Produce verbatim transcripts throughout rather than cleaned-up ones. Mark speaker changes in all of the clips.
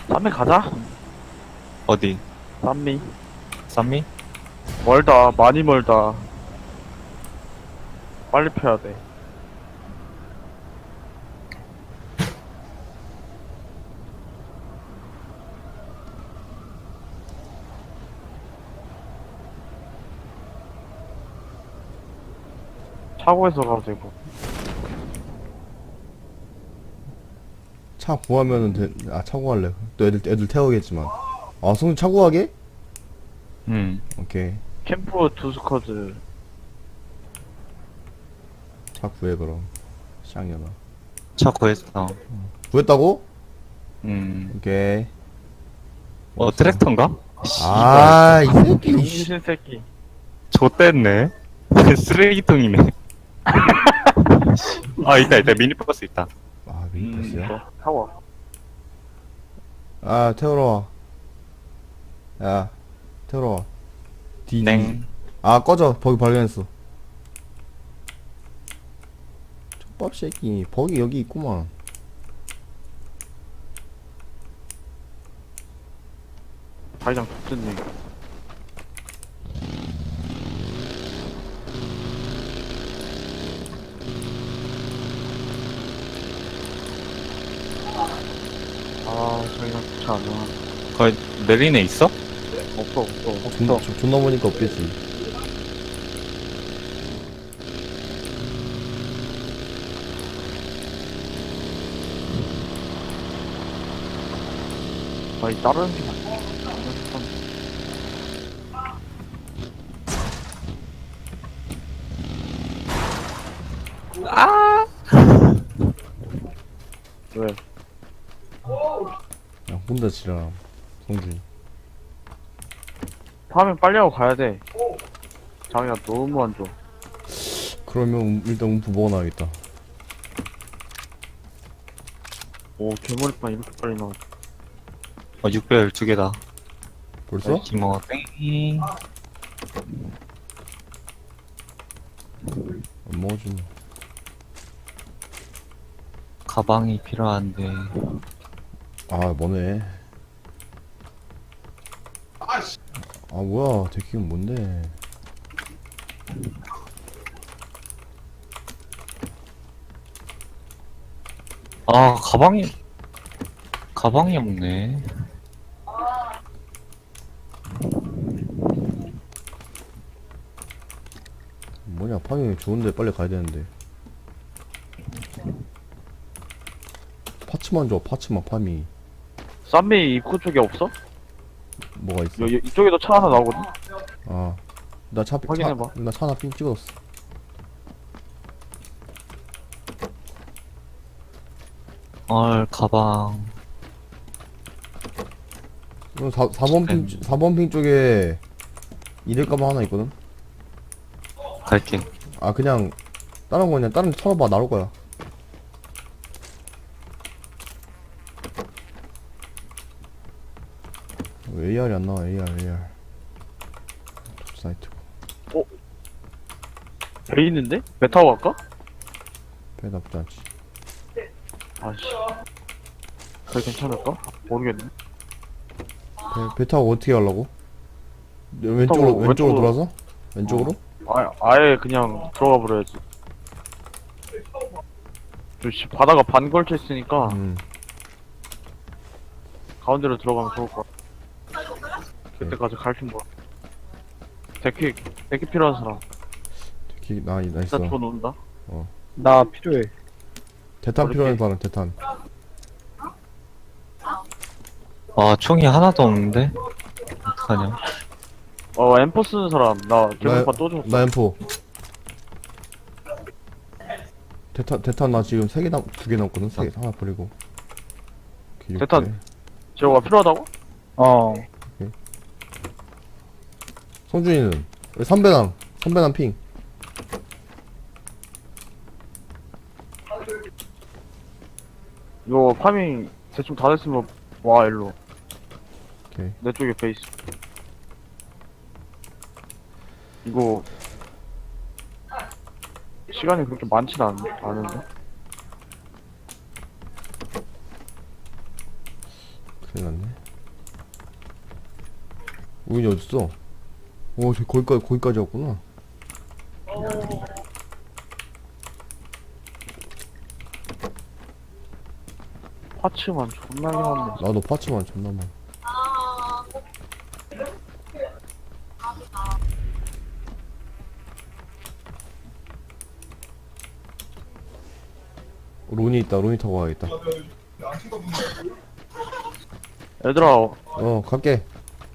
Speaker 1: 쌈미 가자.
Speaker 2: 어디?
Speaker 1: 쌈미.
Speaker 2: 쌈미?
Speaker 1: 멀다. 많이 멀다. 빨리 펴야 돼. 차고에서 가도 되고.
Speaker 3: 차 구하면은 돼. 아, 차 구할래. 또 애들, 애들 태우겠지만. 아, 성준 차 구하게?
Speaker 2: 응.
Speaker 3: 오케이.
Speaker 1: 캠프 두 스쿼드.
Speaker 3: 차 구해, 그럼. 쌍년아.
Speaker 2: 차 구했어.
Speaker 3: 구했다고?
Speaker 2: 음.
Speaker 3: 오케이.
Speaker 2: 어, 트랙터인가?
Speaker 3: 아, 이 새끼. 씨.
Speaker 1: 정신 새끼.
Speaker 2: 좆됐네. 쓰레기통이네. 아, 있다, 있다. 미니버스 있다.
Speaker 3: 아,
Speaker 1: 음,
Speaker 3: 미니버스야?
Speaker 1: 저, 타워.
Speaker 3: 아, 태우러 와. 야, 태우러 와. 디,
Speaker 2: 땡.
Speaker 3: 아, 꺼져. 버기 발견했어. 족밥 새끼. 버기 여기 있구만.
Speaker 1: 자기장 좋던데. 아, 자기장 좋지 않아.
Speaker 2: 거기 내리네 있어?
Speaker 1: 없어, 없어.
Speaker 3: 존, 존- 존나 보니까 없겠지.
Speaker 1: 아니, 다른 게 낫지. 왜?
Speaker 3: 야, 혼자 지라. 성준이.
Speaker 1: 파밍 빨리 하고 가야 돼. 자기가 너무 안 좋아.
Speaker 3: 그러면 음- 일단 움프 먹어놔야겠다.
Speaker 1: 오, 개머리판 이렇게 빨리 나와.
Speaker 2: 어, 육백십이 개다.
Speaker 3: 벌써?
Speaker 2: 기모 땡.
Speaker 3: 안 먹어주네.
Speaker 2: 가방이 필요한데.
Speaker 3: 아, 뭐네. 아, 뭐야. 데키는 뭔데.
Speaker 2: 아, 가방이, 가방이 없네.
Speaker 3: 뭐냐, 파밍 좋은데 빨리 가야 되는데. 파츠만 줘, 파츠만 파밍.
Speaker 1: 쌈미 입구 쪽에 없어?
Speaker 3: 뭐가 있어?
Speaker 1: 여, 여, 이쪽에도 차 하나 나오거든?
Speaker 3: 아, 나 차,
Speaker 1: 확인해봐.
Speaker 3: 차, 나차 하나 삥 찍었어.
Speaker 2: 헐, 가방.
Speaker 3: 어, 사, 4번 핑,
Speaker 2: 음.
Speaker 3: 사 번 핑 쪽에 이럴 가방 하나 있거든?
Speaker 2: 갈게.
Speaker 3: 아, 그냥, 다른 거 그냥, 다른 데 털어봐, 나올 거야. 왜 에이알이 안 나와, 에이알, 에이알. 사이트고.
Speaker 1: 배 있는데? 배 타고 갈까?
Speaker 3: 배 나쁘지 않지.
Speaker 1: 아씨. 그래 괜찮을까? 모르겠네.
Speaker 3: 배, 배 타고 어떻게 가려고? 왼쪽으로,
Speaker 1: 타고
Speaker 3: 왼쪽으로
Speaker 1: 왼쪽으로.
Speaker 3: 돌아서? 왼쪽으로?
Speaker 1: 아, 아예 그냥 들어가 버려야지. 저씨 바다가 반 걸쳐 있으니까
Speaker 3: 음.
Speaker 1: 가운데로 들어가면 좋을 것 같아. 그때까지 갈줄 몰라. 데키, 데키 필요한 사람.
Speaker 3: 기, 나, 나 있어.
Speaker 1: 일단 줘 놓는다.
Speaker 4: 나 필요해.
Speaker 3: 대탄
Speaker 1: 어렵게.
Speaker 3: 필요한 사람, 대탄.
Speaker 2: 아, 총이 하나도 없는데? 어떡하냐.
Speaker 1: 어, 엠포 쓰는 사람. 나 개물판 또 줬어.
Speaker 3: 나 엠포. 대탄, 대탄 나 지금 세 개 남, 두 개 남거든? 세 개, 하나 버리고. 오케이,
Speaker 1: 대탄.
Speaker 3: 육대.
Speaker 1: 제어가 필요하다고?
Speaker 4: 어.
Speaker 3: 성준이는? 여기 삼배남, 삼배남 핑.
Speaker 1: 이거 파밍 대충 다 됐으면 와, 일로.
Speaker 3: 오케이.
Speaker 1: 내 쪽에 베이스. 이거 시간이 그렇게 많진 않, 않은데?
Speaker 3: 큰일 났네. 우인이 어딨어? 오, 저 거기까지, 거기까지 왔구나.
Speaker 1: 파츠만 존나게 많네.
Speaker 3: 나도 파츠만 존나 많아. 론이 있다. 론이 타고 가야겠다.
Speaker 1: 얘들아,
Speaker 3: 어, 갈게.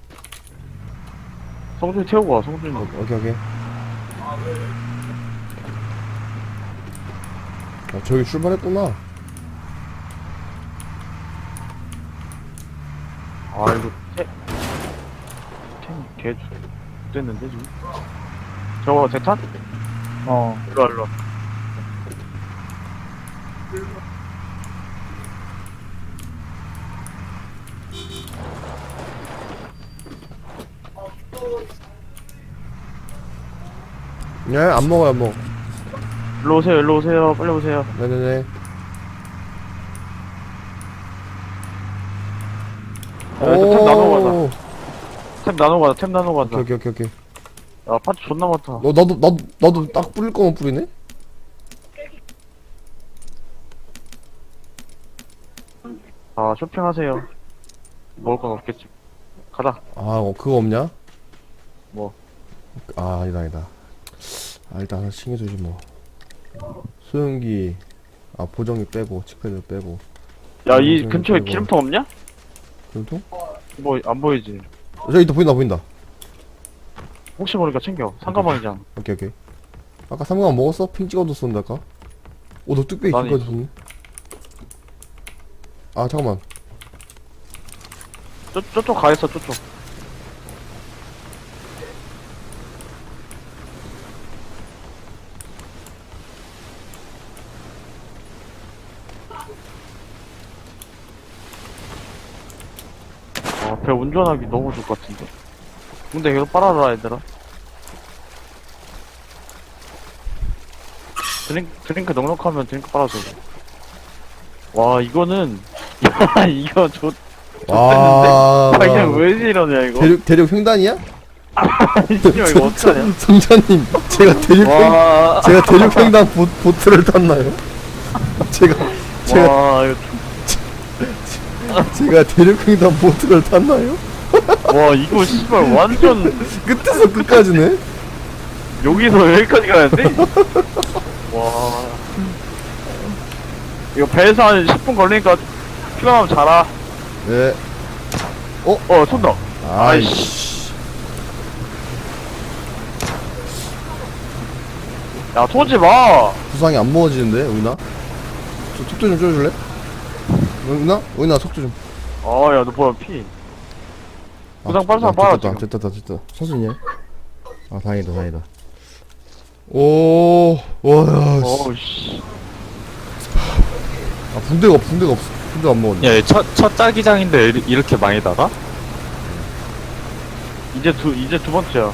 Speaker 1: 성준이 태우고 와, 성준이.
Speaker 3: 어, 오케이, 오케이. 어, 저기 출발했구나.
Speaker 1: 아, 이거, 태, 템, 개, 됐는데, 지금? 저거, 대탄?
Speaker 4: 어.
Speaker 1: 일로와, 일로와.
Speaker 3: 예, 안 먹어요, 안 먹어.
Speaker 1: 일로 오세요, 일로 오세요, 빨리 오세요.
Speaker 3: 네네네.
Speaker 1: 야, 일단 템 나누고 가자.
Speaker 3: 오,
Speaker 1: 템 나누고 가자, 템 나누고 가자.
Speaker 3: 오케이, 오케이, 오케이, 오케이.
Speaker 1: 야, 파츠 존나 많다.
Speaker 3: 너, 나도, 나도, 나도 딱 뿌릴 거면 뿌리네?
Speaker 1: 아, 쇼핑하세요. 먹을 건 없겠지. 가자.
Speaker 3: 아, 어, 그거 없냐?
Speaker 1: 뭐.
Speaker 3: 아, 아니다, 아니다. 아, 일단 하나 챙겨주지, 뭐. 소형기, 아, 보정기 빼고, 칙패드 빼고.
Speaker 1: 야, 이
Speaker 3: 음,
Speaker 1: 근처에
Speaker 3: 그리고-
Speaker 1: 기름통 없냐?
Speaker 3: 그래도?
Speaker 1: 뭐, 안 보이지?
Speaker 3: 저기 또 보인다, 보인다.
Speaker 1: 혹시 모르니까 챙겨. 상가방이잖아.
Speaker 3: 오케이, 오케이. 아까 삼각 먹었어? 핑 찍어뒀었는데, 아까? 오, 너 뚝배기
Speaker 1: 나는
Speaker 3: 지금까지 줬네? 아, 잠깐만.
Speaker 1: 저, 저쪽 가있어, 저쪽. 아, 배 운전하기 너무 좋을 것 같은데. 근데 계속 빨아라, 얘들아. 드링크, 드링크 넉넉하면 드링크 빨아줘. 와, 이거는, 야, 이거 좋,
Speaker 3: 와.
Speaker 1: 아, 그냥 왜 이러냐, 이거.
Speaker 3: 대륙, 대륙 횡단이야?
Speaker 1: 씨발, 이거 어떡하냐.
Speaker 3: 성자님, 제가 대륙 횡,
Speaker 1: 와,
Speaker 3: 제가 대륙 횡단 보, 보트를 탔나요? 제가, 제가,
Speaker 1: 와, 이거,
Speaker 3: 제가 대륙 횡단 보트를 탔나요?
Speaker 1: 와, 이거 씨발 완전,
Speaker 3: 끝에서 끝까지네?
Speaker 1: 여기서 여기까지 가야돼? 와. 이거 배에서 한 십 분 걸리니까 피곤하면 자라.
Speaker 3: 네.
Speaker 1: 어, 쏜다.
Speaker 3: 아이씨.
Speaker 1: 야, 쏘지 마.
Speaker 3: 부상이 안 먹어지는데, 우인아? 저 속도 좀 줄여줄래? 우인아? 우인아, 속도 좀.
Speaker 1: 아, 야, 너 뭐야, 피. 부상 빠른 사람
Speaker 3: 아,
Speaker 1: 빨아,
Speaker 3: 됐다,
Speaker 1: 지금.
Speaker 3: 됐다, 됐다. 천천히 해. 아, 다행이다, 다행이다. 오, 와, 야, 씨.
Speaker 1: 어우, 씨.
Speaker 3: 아, 붕대가, 없- 붕대가 없어. 붕대 안 먹었네.
Speaker 2: 야, 얘 첫, 첫 짜기장인데 이리- 이렇게 많이 달아?
Speaker 1: 이제 두, 이제 두 번째야.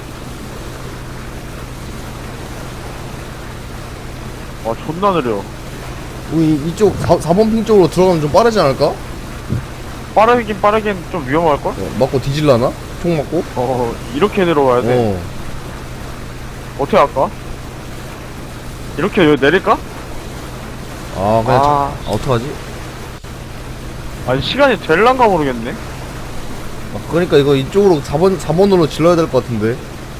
Speaker 1: 와, 존나 느려.
Speaker 3: 우리 이쪽 사, 사 번 핑 쪽으로 들어가면 좀 빠르지 않을까?
Speaker 1: 빠르긴 빠르긴 좀 위험할걸?
Speaker 3: 어, 맞고 뒤질라나? 총 맞고?
Speaker 1: 어, 이렇게 내려와야 돼.
Speaker 3: 어.
Speaker 1: 어떻게 할까? 이렇게 여기 내릴까?
Speaker 3: 아, 그냥, 자,
Speaker 1: 아,
Speaker 3: 아, 어떡하지?
Speaker 1: 아니, 시간이 될란가 모르겠네.
Speaker 3: 아, 그러니까 이거 이쪽으로 사 번, 사 번으로 질러야 될 것 같은데.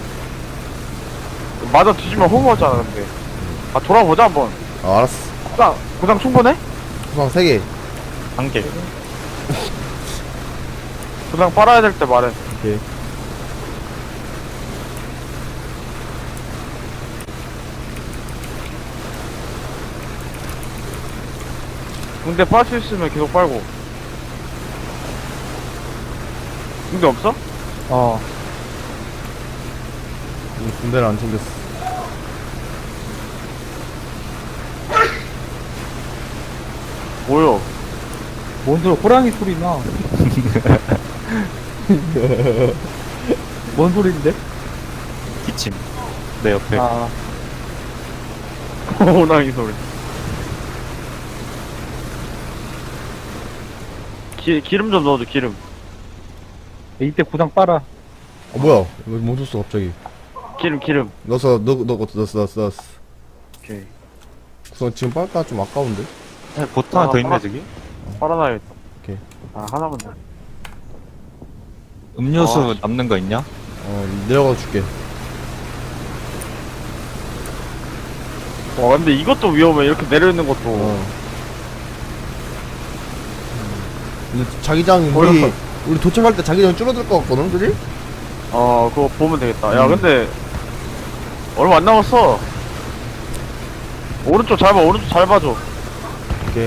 Speaker 1: 맞아 뒤지면 허무하잖아, 근데. 아, 돌아보자, 한번.
Speaker 3: 아, 알았어.
Speaker 1: 고상, 고상 충분해?
Speaker 3: 구상 세 개.
Speaker 2: 한 개.
Speaker 1: 고상 빨아야 될 때 말해.
Speaker 3: 오케이.
Speaker 1: 근데 빨 수 있으면 계속 빨고. 근데 없어?
Speaker 4: 어.
Speaker 3: 우리 군대를 안 챙겼어.
Speaker 1: 뭐요?
Speaker 4: 뭔 소리, 호랑이 소리 나. 뭔 소리인데?
Speaker 2: 기침. 내 옆에.
Speaker 4: 아,
Speaker 1: 호랑이 소리. 기, 기름 좀 넣어줘 기름.
Speaker 4: 이때 구상 빨아.
Speaker 3: 어 뭐야 이거 멈췄어 갑자기.
Speaker 1: 기름 기름.
Speaker 3: 넣었어 넣 넣 넣었어 넣었어 넣었어.
Speaker 1: 오케이.
Speaker 3: 구성 지금 빨까 좀 아까운데.
Speaker 2: 네, 보트 하나 더 있네 저기.
Speaker 1: 빨아놔야겠다.
Speaker 3: 오케이.
Speaker 1: 아 하나만 더.
Speaker 2: 음료수
Speaker 1: 아.
Speaker 2: 남는 거 있냐?
Speaker 3: 어 내려가 줄게.
Speaker 1: 와 근데 이것도 위험해. 이렇게 내려있는 것도.
Speaker 3: 어. 근데 자기장 우리
Speaker 1: 보였어.
Speaker 3: 우리 도착할 때 자기장 줄어들 것 같거든, 그지?
Speaker 1: 어 그거 보면 되겠다. 야
Speaker 3: 음.
Speaker 1: 근데 얼마 안 남았어. 오른쪽 잘 봐. 오른쪽 잘 봐줘.
Speaker 3: 오케이.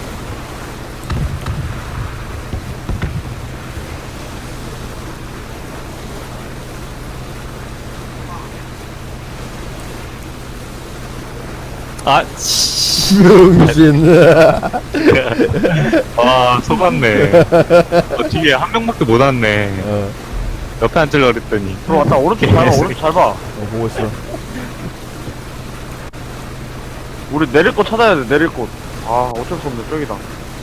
Speaker 2: 아, 씨.
Speaker 3: 명신.
Speaker 2: 와, 속았네. 어, 뒤에 한 명밖에 못 왔네.
Speaker 3: 어,
Speaker 2: 옆에 앉으려고 그랬더니.
Speaker 1: 들어왔다. 오른쪽 잘 봐. 오른쪽 잘 봐.
Speaker 3: 어 보고 있어.
Speaker 1: 우리 내릴 곳 찾아야 돼. 내릴 곳. 아 어쩔 수 없네. 저기다.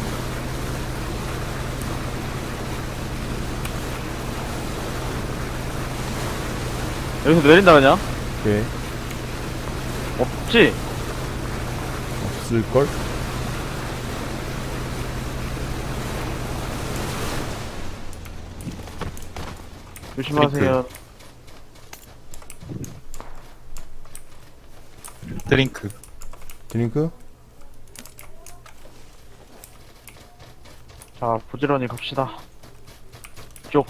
Speaker 1: 여기서 내린다 그냥.
Speaker 3: 오케이.
Speaker 1: 없지?
Speaker 3: 없을 걸?
Speaker 1: 조심하세요.
Speaker 2: 드링크.
Speaker 3: 드링크?
Speaker 1: 자 부지런히 갑시다. 이쪽.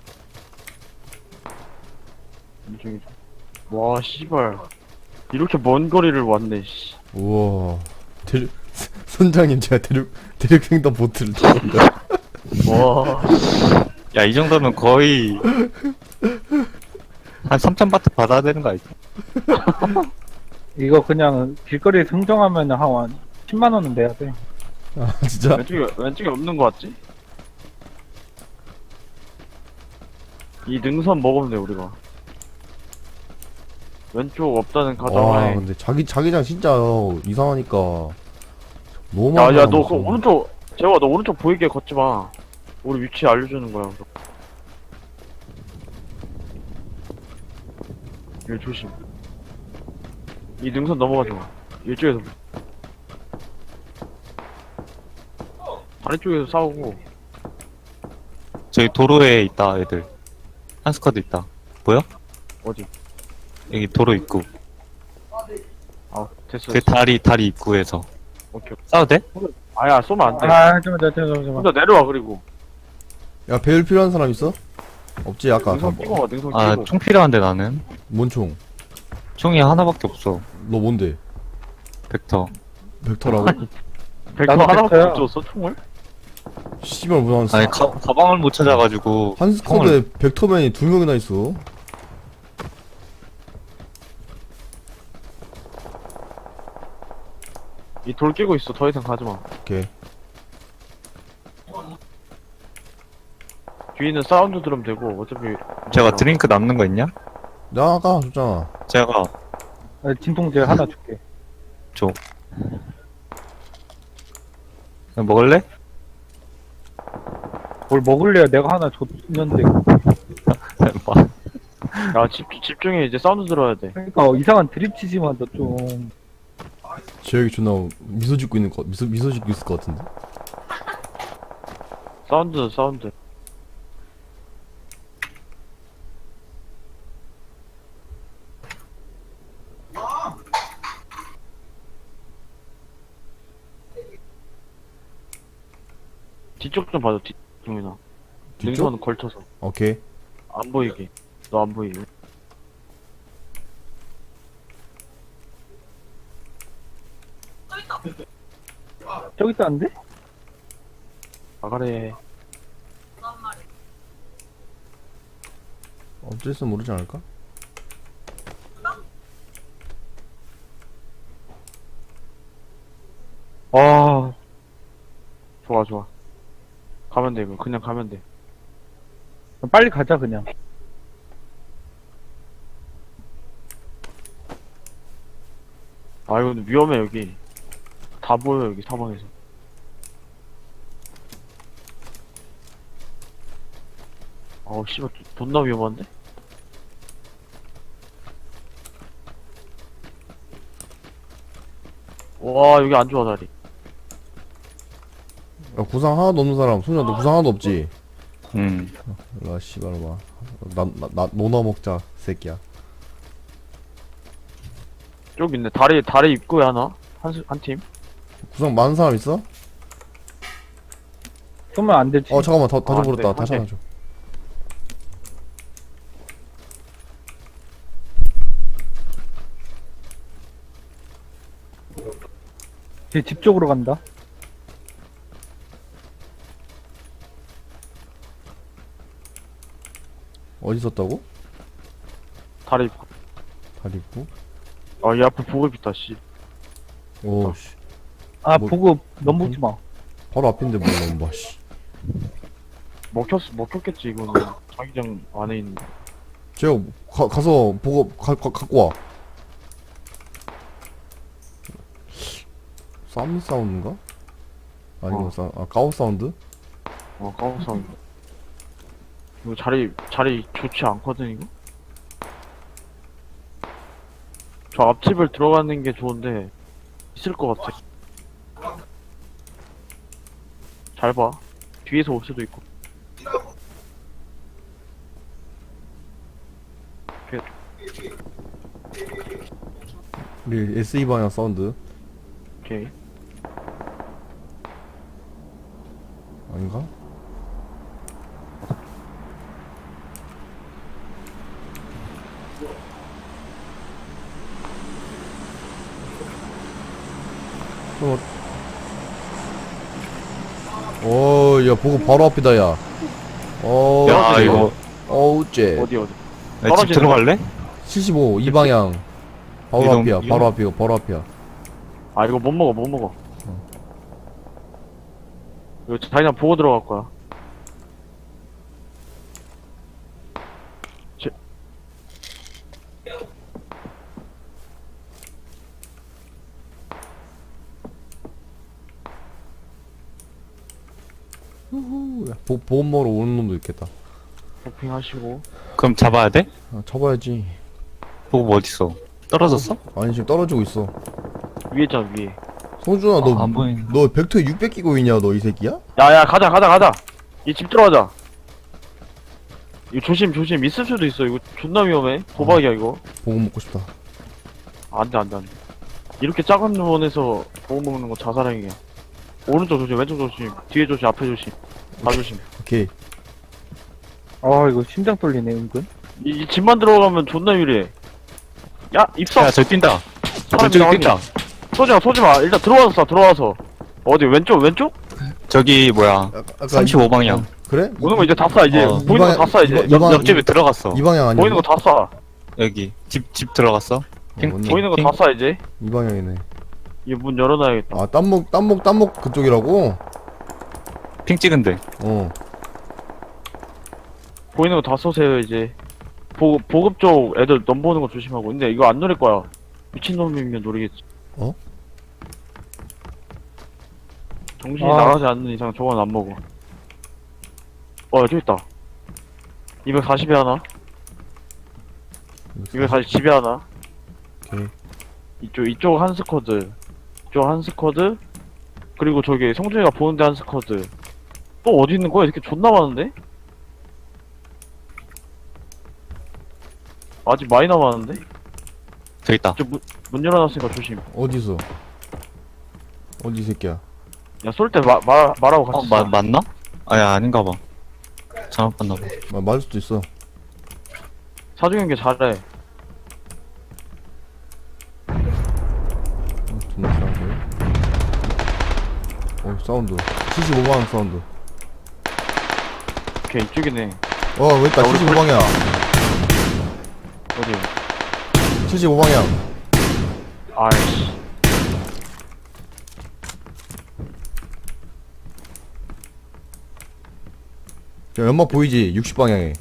Speaker 1: 이쪽이죠. 와 씨발. 이렇게 먼 거리를 왔네 씨.
Speaker 3: 우와. 대륙 선장님 제가 대륙 대륙횡단 보트를 타는다.
Speaker 1: 와.
Speaker 2: 야, 이 정도면 거의 한 삼천 바트 받아야 되는 거 아니지?
Speaker 4: 이거 그냥 길거리에 흥정하면 한 십만 원은 내야 돼.
Speaker 3: 아 진짜?
Speaker 1: 왼쪽에 왼쪽에 없는 거 같지? 이 능선 먹으면 돼 우리가. 왼쪽 없다는
Speaker 3: 와
Speaker 1: 가정하에.
Speaker 3: 근데 자기 자기장 진짜 이상하니까 너무 많이
Speaker 1: 야야 너 그
Speaker 3: 남았어.
Speaker 1: 오른쪽 재호아 너 오른쪽 보이게 걷지 마. 우리 위치 알려주는 거야. 이거 조심. 이 능선 넘어가지 마. 이쪽에서. 다리 쪽에서 싸우고.
Speaker 2: 저기 도로에 있다, 애들. 한 스쿼드 있다. 보여?
Speaker 1: 어디?
Speaker 2: 여기 도로 입구.
Speaker 1: 아 됐어.
Speaker 2: 그
Speaker 1: 됐어.
Speaker 2: 다리, 다리 입구에서.
Speaker 1: 오케이.
Speaker 2: 싸워도 돼?
Speaker 1: 아야 쏘면 안 돼.
Speaker 4: 아, 잠깐만, 잠깐만, 잠깐만.
Speaker 1: 혼자 내려와 그리고.
Speaker 3: 야 배율 필요한 사람 있어? 없지 아까
Speaker 1: 능선
Speaker 3: 다
Speaker 1: 끼고 가. 능선
Speaker 2: 아,
Speaker 1: 끼고.
Speaker 2: 총 필요한데 나는.
Speaker 3: 뭔 총?
Speaker 2: 총이 하나밖에 없어.
Speaker 3: 너 뭔데?
Speaker 2: 벡터.
Speaker 3: 벡터라고?
Speaker 1: 벡터
Speaker 4: 나도
Speaker 1: 하나밖에
Speaker 4: 벡터야.
Speaker 1: 못 줬어 총을?
Speaker 3: 씨발 무슨
Speaker 2: 아니, 가, 가방을 못 찾아가지고.
Speaker 3: 한 스쿼드에 벡터맨이 두 명이나 있어.
Speaker 1: 이 돌 끼고 있어. 더 이상 가지 마.
Speaker 3: 오케이.
Speaker 1: 뒤에는 사운드 들으면 되고 어차피.
Speaker 2: 제가 드링크 남는 거 있냐?
Speaker 3: 나 아까 줬잖아.
Speaker 2: 제가
Speaker 4: 아, 진통제 하나 줄게.
Speaker 2: 줘. 그냥 먹을래?
Speaker 4: 뭘 먹을래야 내가 하나 줬는데.
Speaker 2: 뭐,
Speaker 1: 야 집, 집중해. 이제 사운드 들어야 돼.
Speaker 4: 그러니까 이상한 드립 치지 마, 너 좀.
Speaker 3: 재혁이 존나 미소 짓고 있는 거 미소 미소 짓고 있을 것 같은데.
Speaker 1: 사운드 사운드. 뒤쪽 좀 봐줘. 뒤쪽이나.
Speaker 3: 뒤쪽?
Speaker 1: 능선 걸쳐서
Speaker 3: 오케이.
Speaker 1: 안 보이게. 너 안 보이게.
Speaker 4: 저기 있다는데?
Speaker 1: 나가래.
Speaker 3: 어쩔 모르지 않을까?
Speaker 1: 아 좋아 좋아. 가면 돼 이거. 그냥 가면 돼.
Speaker 4: 빨리 가자, 그냥.
Speaker 1: 아 이거 근데 위험해 여기. 다 보여 여기 사방에서. 아우 씨발 존나 위험한데? 와 여기 안 좋아 자리.
Speaker 3: 야, 구상 하나도 없는 사람. 소녀, 너 구상 하나도 없지?
Speaker 2: 음.
Speaker 3: 일로와, 씨발, 봐. 나, 나, 나, 노나 먹자, 새끼야.
Speaker 1: 쪽 있네. 다리 다리 입구에 하나 한 한 팀.
Speaker 3: 구상 많은 사람 있어?
Speaker 4: 쏘면 안 되지.
Speaker 3: 어, 잠깐만, 다, 다
Speaker 1: 아,
Speaker 3: 줘버렸다.
Speaker 1: 네,
Speaker 3: 다시
Speaker 1: 한
Speaker 3: 하나 줘.
Speaker 4: 제 집 쪽으로 간다.
Speaker 3: 어디 있었다고?
Speaker 1: 다리 입구.
Speaker 3: 다리 있고.
Speaker 1: 아이 앞에 보급 있다 씨.
Speaker 3: 오, 씨.
Speaker 4: 아,
Speaker 3: 뭐-
Speaker 4: 보급 넘보지 마.
Speaker 3: 바로 앞인데 뭘 넘봐, 씨.
Speaker 1: 먹혔 먹혔겠지 이거는. 자기장 안에 있는.
Speaker 3: 제가 가, 가서 보고 가, 가, 갖고 와. 쌈 사운드인가? 아니면
Speaker 1: 어.
Speaker 3: 사, 아 가오 사운드?
Speaker 1: 어 까먹었어. 이거 자리 자리 좋지 않거든 이거. 저 앞집을 들어가는 게 좋은데 있을 것 같아. 잘 봐. 뒤에서 올 수도 있고.
Speaker 3: 우리 에스이 방향 사운드
Speaker 1: 오케이.
Speaker 3: 아닌가? 어, 어, 야, 보고 바로 앞이다, 야. 어,
Speaker 2: 야, 이거.
Speaker 3: 어우, 쟤.
Speaker 1: 어디 어디.
Speaker 2: 야, 집
Speaker 1: 떨어지는
Speaker 2: 들어갈래?
Speaker 3: 칠십오, 이 방향. 바로
Speaker 2: 이동,
Speaker 3: 앞이야,
Speaker 2: 이동?
Speaker 3: 바로 앞이야, 바로 앞이야.
Speaker 1: 아 이거 못 먹어 못 먹어. 이거 자기장 보고 들어갈 거야. 제...
Speaker 3: 후후. 야, 보, 보험 먹으러 오는 놈도 있겠다.
Speaker 1: 쇼핑 하시고.
Speaker 2: 그럼 잡아야 돼?
Speaker 3: 아, 쳐봐야지.
Speaker 2: 보고 어딨어? 떨어졌어?
Speaker 3: 아니, 지금 떨어지고 있어.
Speaker 1: 위에 있잖아 위에.
Speaker 3: 성준아, 너,
Speaker 2: 아, 안 보이네.
Speaker 3: 너 벡터에 육백 끼고 있냐, 너 이 새끼야?
Speaker 1: 야야 가자 가자 가자. 이 집 들어가자. 이거 조심 조심 있을 수도 있어. 이거 존나 위험해. 도박이야 이거.
Speaker 3: 보험 먹고 싶다.
Speaker 1: 안돼 안돼 안돼. 이렇게 작은 원에서 보고 먹는 거 자살행위야. 오른쪽 조심 왼쪽 조심 뒤에 조심 앞에 조심 다 조심.
Speaker 3: 오케이.
Speaker 4: 아, 이거 심장 떨리네, 은근.
Speaker 1: 이, 이 집만 들어가면 존나 유리해. 야 입성.
Speaker 2: 야, 저기 뛴다.
Speaker 1: 사람
Speaker 2: 왼쪽에
Speaker 1: 이상하게.
Speaker 2: 뛴다.
Speaker 1: 쏘지마 쏘지마. 일단 들어와서 쏴 들어와서. 어디 왼쪽 왼쪽?
Speaker 2: 저기, 뭐야.
Speaker 3: 아, 아까
Speaker 2: 삼십오 방향.
Speaker 3: 어, 그래?
Speaker 1: 오는 거 이제 다 쏴 이제.
Speaker 2: 어.
Speaker 1: 보이는 거 다 쏴 이제.
Speaker 3: 이방-
Speaker 2: 옆,
Speaker 3: 이방-
Speaker 2: 옆집에 들어갔어.
Speaker 3: 이 방향 아니야?
Speaker 1: 보이는 거 다 쏴.
Speaker 2: 여기. 집, 집 들어갔어. 핑-
Speaker 3: 맞네.
Speaker 1: 보이는 거 다 쏴 이제.
Speaker 3: 이 방향이네.
Speaker 1: 이 문 열어놔야겠다.
Speaker 3: 아, 땀목, 땀목, 땀목 그쪽이라고?
Speaker 2: 핑 찍은데.
Speaker 3: 어.
Speaker 1: 보이는 거 다 쏘세요 이제. 보, 보급 쪽 애들 넘보는 거 조심하고. 근데 이거 안 노릴 거야. 미친놈이면 노리겠지.
Speaker 3: 어?
Speaker 1: 정신이
Speaker 4: 아.
Speaker 1: 나가지 않는 이상 저건 안 먹어. 어 여기 있다. 이백사십에 하나. 이백사십 집에 하나.
Speaker 3: 오케이.
Speaker 1: 이쪽 이쪽 한 스쿼드. 이쪽 한 스쿼드. 그리고 저기 성준이가 보는데 한 스쿼드. 또 어디 있는 거야? 이렇게 존나 많은데? 아직 많이 남았는데?
Speaker 2: 저기 있다.
Speaker 1: 저 문, 문 열어놨으니까 조심.
Speaker 3: 어디서? 어디 이 새끼야?
Speaker 1: 야 쏠 때 말 말하고 같이
Speaker 2: 어,
Speaker 1: 쏴.
Speaker 2: 마, 맞나? 아야, 아닌가 봐. 잘못 봤나 봐.
Speaker 3: 아, 맞을 수도 있어.
Speaker 1: 사중연계 잘해.
Speaker 3: 어, 존나 싸운데. 어, 사운드. 칠십오 방향 사운드.
Speaker 1: 오케이 이쪽이네.
Speaker 3: 어, 왜 있다.
Speaker 1: 야, 우리
Speaker 3: 칠십오 방향.
Speaker 1: 어디?
Speaker 3: 칠십오 방향.
Speaker 1: 아이씨.
Speaker 3: 야, 연막 보이지? 육십 방향에.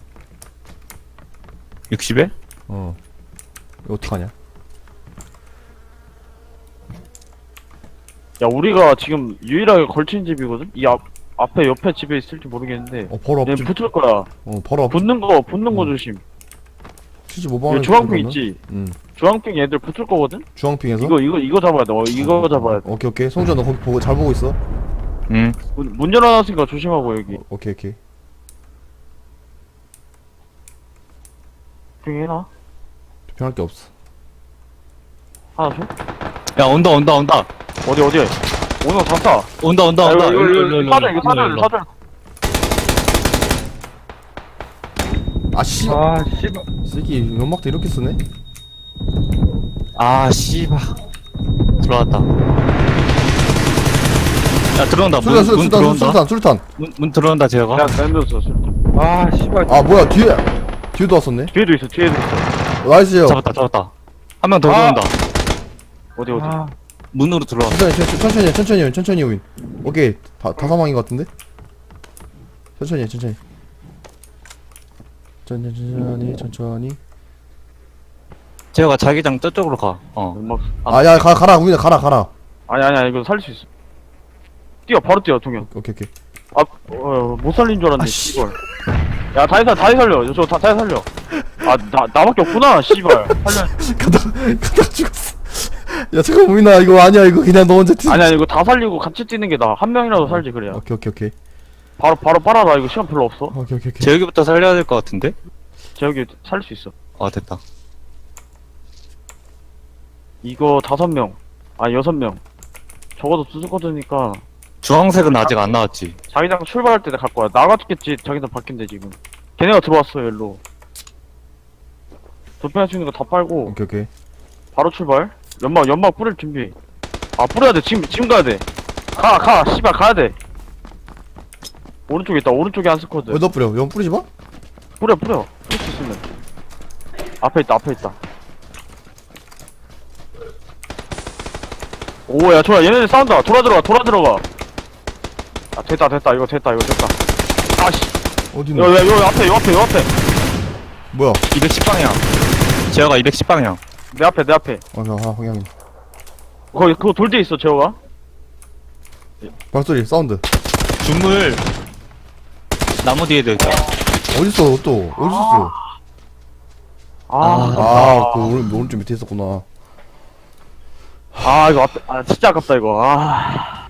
Speaker 2: 육십에?
Speaker 3: 어. 이거 어떡하냐?
Speaker 1: 야 우리가 지금 유일하게 걸친 집이거든? 이 앞 앞에 옆에 집에 있을지 모르겠는데
Speaker 3: 어 바로
Speaker 1: 얘
Speaker 3: 앞집.
Speaker 1: 붙을 거야.
Speaker 3: 어 바로 앞집.
Speaker 1: 붙는 거 붙는 거
Speaker 3: 음.
Speaker 1: 조심.
Speaker 3: 칠십오
Speaker 1: 이거
Speaker 3: 번.
Speaker 1: 주황핑 있지?
Speaker 3: 응.
Speaker 1: 주황핑 얘들 붙을 거거든?
Speaker 3: 주황핑에서.
Speaker 1: 이거 이거 이거 잡아야 돼. 어, 이거 잡아야 돼.
Speaker 3: 오케이 오케이. 성주야 너 거기 보고 잘 보고 있어.
Speaker 2: 응.
Speaker 1: 문, 문 열어놨으니까 조심하고 여기.
Speaker 3: 어, 오케이 오케이.
Speaker 1: 핑 해놔.
Speaker 3: 변할 게 없어.
Speaker 1: 하나 줘?
Speaker 2: 야, 온다, 온다, 온다.
Speaker 1: 어디 어디? 오늘 다 쏴.
Speaker 2: 온다, 온다,
Speaker 1: 야,
Speaker 2: 온다.
Speaker 1: 이거
Speaker 2: 일로,
Speaker 1: 이거
Speaker 2: 일로,
Speaker 1: 이거
Speaker 2: 일로,
Speaker 1: 사줘 이거 사줘
Speaker 2: 일로, 일로.
Speaker 1: 사줘.
Speaker 3: 아 씨.
Speaker 4: 아 씨발.
Speaker 3: 새끼 연막도 이렇게 쓰네.
Speaker 2: 아, 씨발. 들어왔다. 야, 들어온다. 문,
Speaker 3: 술탄
Speaker 2: 문
Speaker 3: 술탄
Speaker 2: 들어온다.
Speaker 3: 술탄 술탄.
Speaker 2: 문, 문 들어온다, 제가.
Speaker 1: 야 랜드였어.
Speaker 4: 아 씨발.
Speaker 3: 아 뭐야 뒤에 뒤에도 왔었네.
Speaker 1: 뒤에도 있어 뒤에도 있어.
Speaker 3: 나이스요.
Speaker 2: 잡았다, 잡았다. 한 명 더
Speaker 1: 아.
Speaker 2: 들어온다.
Speaker 1: 어디 어디?
Speaker 4: 아,
Speaker 2: 문으로 들어와.
Speaker 3: 천천히 천천히 천천히 천천히 오인 천천히 오인. 오케이 다 다 사망인 것 같은데. 천천히 해, 천천히. 천천히 천천히 천천히.
Speaker 2: 제가 자기장 저쪽으로 가. 어.
Speaker 1: 연막. 아,
Speaker 3: 아야 가 가라 우인아 가라 가라.
Speaker 1: 아니 아니야 이거 살릴 수 있어. 뛰어 바로 뛰어 동현.
Speaker 3: 오케이 오케이.
Speaker 1: 아, 어, 못 살린 줄 알았네,
Speaker 3: 아, 씨.
Speaker 1: 씨발. 야, 다시 살, 다시 살려. 저, 다, 다시 살려. 아, 나, 나밖에 없구나, 씨발. 살려.
Speaker 3: 가다 가다 죽었어. 야 잠깐 우인아 이거 아니야 이거 그냥 너 혼자 뛰.
Speaker 1: 아니야, 이거 다 살리고 같이 뛰는 게 나아. 한 명이라도 살지, 그래야.
Speaker 3: 오케이 오케이 오케이.
Speaker 1: 바로, 바로 빨아라. 이거 시간 별로 없어.
Speaker 3: 오케이 오케이 오케이.
Speaker 2: 제여기부터 살려야 될 것 같은데?
Speaker 1: 저 여기 살릴 수 있어.
Speaker 2: 아, 됐다.
Speaker 1: 이거 다섯 명. 아, 여섯 명. 적어도 두 스쿼드니까
Speaker 2: 주황색은 아직 안 나왔지.
Speaker 1: 자기장 출발할 때 갈 거야. 나갔겠지. 자기장 바뀐대, 지금. 걔네가 들어왔어, 일로. 도핑할 수 있는 거 다 빨고,
Speaker 3: 오케이 오케이.
Speaker 1: 바로 출발. 연막, 연막 뿌릴 준비. 아, 뿌려야 돼. 지금, 지금 가야 돼. 가, 가. 씨발, 가야 돼. 오른쪽에 있다. 오른쪽에 한 스쿼드.
Speaker 3: 어디다 뿌려? 연 뿌리지 마.
Speaker 1: 뿌려, 뿌려. 뿌릴 수 있으면. 앞에 있다, 앞에 있다. 오, 야, 좋아. 얘네들 싸운다. 돌아 들어가, 돌아 들어가. 아, 됐다, 됐다. 이거 됐다, 이거 됐다. 아씨.
Speaker 3: 어디
Speaker 1: 요,
Speaker 3: 있는?
Speaker 1: 요, 요 앞에, 요 앞에, 요 앞에.
Speaker 3: 뭐야?
Speaker 2: 이백십 방향. 제어가 이백십 방향.
Speaker 1: 내 앞에, 내 앞에.
Speaker 3: 아, 나 방향.
Speaker 1: 거기, 그거 돌 뒤에 있어, 재호가.
Speaker 3: 발소리 사운드.
Speaker 2: 주물. 나무 뒤에도 있다.
Speaker 3: 어디 있어 또? 어디 있어?
Speaker 1: 아,
Speaker 2: 아,
Speaker 3: 아, 그 오른 오른쪽 밑에 있었구나.
Speaker 1: 아, 이거 앞에, 아, 진짜 아깝다, 이거. 아.